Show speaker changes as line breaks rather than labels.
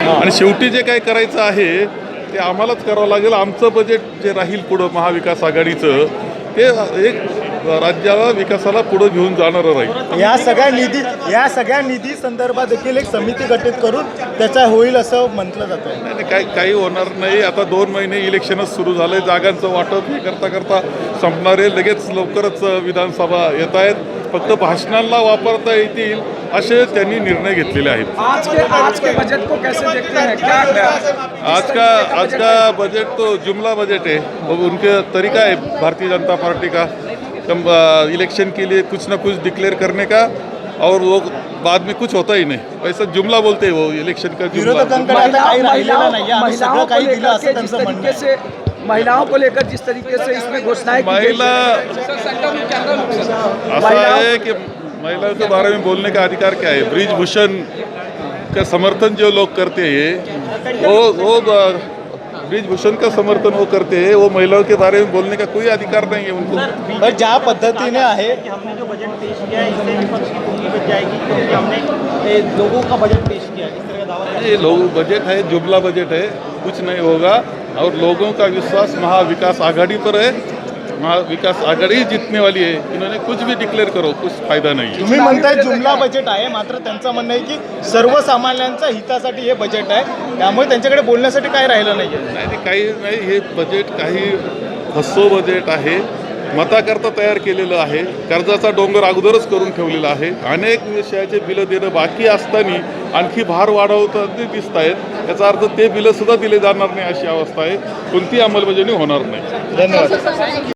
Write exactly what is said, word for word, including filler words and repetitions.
आणि शेवटी जे काही करायचं आहे ते आम्हालाच करावं लागेल. आमचं बजेट जे राहील पुढं महाविकास आघाडीचं ते एक राज्याला विकासाला पुढे घेऊन जाणारं राहील.
या सगळ्या निधी या सगळ्या निधी संदर्भात देखील एक समिती गठीत करून त्याचा होईल असं म्हटलं जातं.
नाही नाही, काही काही होणार नाही. आता दोन महिने इलेक्शनच सुरू झालंय. जागांचं वाटप हे करता करता संपणार आहे. लगेच लवकरच विधानसभा येत आहेत. फक्त भाषणांना वापरता येतील असे त्यांनी निर्णय घेतलेले आहेत.
आज के आज के बजट को कैसे देखते हैं, क्या
आज का आज का बजट तो जुमला बजट है. वो उनके तरीका है भारतीय जनता पार्टी का इलेक्शन के लिए कुछ ना कुछ डिक्लेयर करने का और वो बाद में कुछ होता ही नहीं. वैसा जुमला बोलते हैं वो इलेक्शन का जुमला.
विरोधकांकडे आता काही राहिलेलं नाही. आम्ही सगळं काही दिलं असं त्यांचं म्हणणं आहे.
महिलाओं को लेकर जिस तरीके से इसमें घोषणाएं की गई
महिला ऐसा है कि महिलाओं के बारे में बोलने का अधिकार क्या है. ब्रिजभूषण का समर्थन जो लोग करते हैं वो वो ब्रिजभूषण का समर्थन वो करते हैं. वो महिलाओं के बारे में बोलने का कोई अधिकार नहीं है उनको.
पर ज्या पद्धतीने आहे
हमने जो बजट पेश किया है इससे विपक्ष की पूरी बच जाएगी क्योंकि हमने लोगों का बजट पेश किया है. इस तरह का दावा
ये लोग बजट है, जुमला बजट है, कुछ नहीं होगा. और लोगों का विश्वास महाविकास आघाड़ी पर है. महाविकास आघाड़ी जीतने वाली है. इन्होंने कुछ भी डिक्लेअर करो, कुछ फायदा नाही.
तुम्ही म्हणताय जुमला बजेट आहे, मात्र त्यांचं म्हणणं आहे की सर्वसामान्यांच्या हितासाठी हे बजेट आहे, त्यामुळे त्यांच्याकडे बोलण्यासाठी काय राहिलं नाही.
नाही नाही, काही नाही. हे बजेट काही फसो बजेट आहे. मताकरता तयार केलेलं आहे. कर्जाचा डोंगर अगोदरच करून ठेवलेला आहे. अनेक विषयाचे बिलं देणं बाकी असताना आणखी भार वाढवताना दिसत आहेत. याचा अर्थ ते बिलं सुद्धा दिले जाणार नाही अशी अवस्था आहे. कोणती अंमलबजावणी होणार नाही.
धन्यवाद.